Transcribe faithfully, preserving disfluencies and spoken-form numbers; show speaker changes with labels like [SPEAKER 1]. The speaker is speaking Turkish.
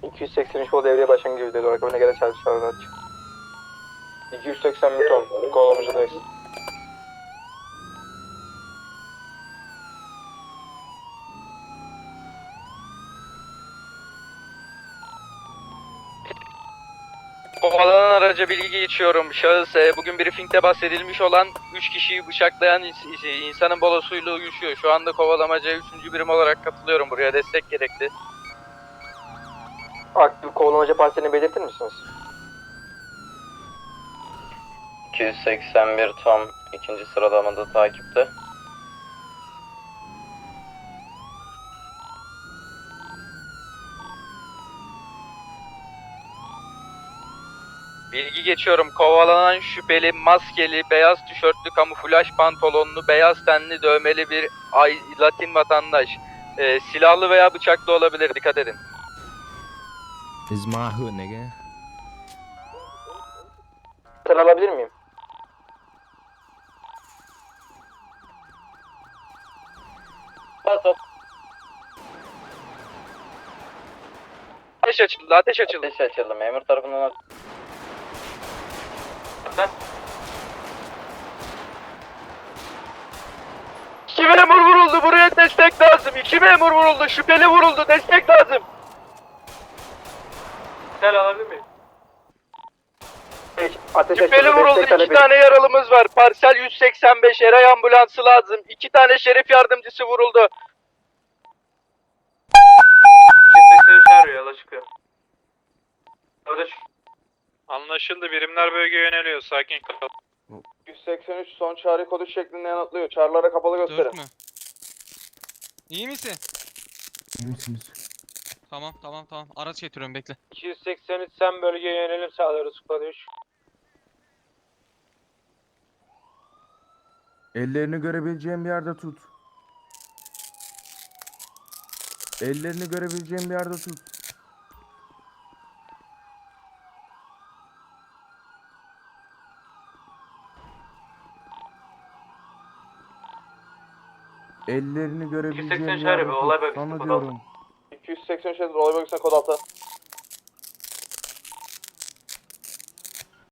[SPEAKER 1] iki yüz seksen üç kol devreye başlangıcı video olarak önüne gelen çarpışlar araç. iki yüz seksen bir ton kovalamacadayız.
[SPEAKER 2] Kovalanan araca bilgi geçiyorum. Şahıs e, bugün briefingde bahsedilmiş olan üç kişiyi bıçaklayan ins- insanın bolosuyla uyuşuyor. Şu anda kovalamacaya üçüncü birim olarak katılıyorum buraya. Destek gerekli.
[SPEAKER 1] Aktif kovalamaca parselini belirtir misiniz?
[SPEAKER 3] iki yüz seksen bir Tom ikinci sıralamada takipte.
[SPEAKER 2] Bilgi geçiyorum. Kovalanan şüpheli maskeli, beyaz tişörtlü, kamuflaj pantolonlu, beyaz tenli, dövmeli bir ay, Latin vatandaş. E, silahlı veya bıçaklı olabilir. Dikkat edin.
[SPEAKER 4] This is my hood, nigga.
[SPEAKER 1] Sıra alabilir miyim?
[SPEAKER 2] Ateş açıldı, ateş açıldı.
[SPEAKER 3] Ateş açıldı. Memur tarafından
[SPEAKER 2] İki memur vuruldu. Buraya destek lazım. İki memur vuruldu. Şüpheli vuruldu. Destek lazım.
[SPEAKER 1] Sen alabilir miyim? Ateş
[SPEAKER 2] Şüpheli
[SPEAKER 1] açıldı,
[SPEAKER 2] vuruldu.
[SPEAKER 1] destek talep
[SPEAKER 2] İki tane yaralımız var. Parsel yüz seksen beş eray ambulansı lazım. İki tane şerif yardımcısı vuruldu.
[SPEAKER 1] iki yüz seksen üç arıyor, yola çıkıyor. Orada
[SPEAKER 5] Anlaşıldı. Birimler bölgeye yöneliyor. Sakin kal.
[SPEAKER 1] yüz seksen üç son çağrı kodu şeklinde yanıtlıyor. Çağrılara kapalı gösterin.
[SPEAKER 6] Dört mü? İyi misin?
[SPEAKER 4] İyi misiniz?
[SPEAKER 6] Tamam tamam tamam. Araç getiriyorum bekle.
[SPEAKER 1] iki yüz seksen üç sen bölgeye yönelim sağlıyoruz. Kod üç.
[SPEAKER 7] Ellerini görebileceğim bir yerde tut. Ellerini görebileceğim bir yerde tut. Ellerini görebileceğim bir yerde tut. Sana diyorum.
[SPEAKER 1] iki yüz seksen üç olay bölgesine kod altı.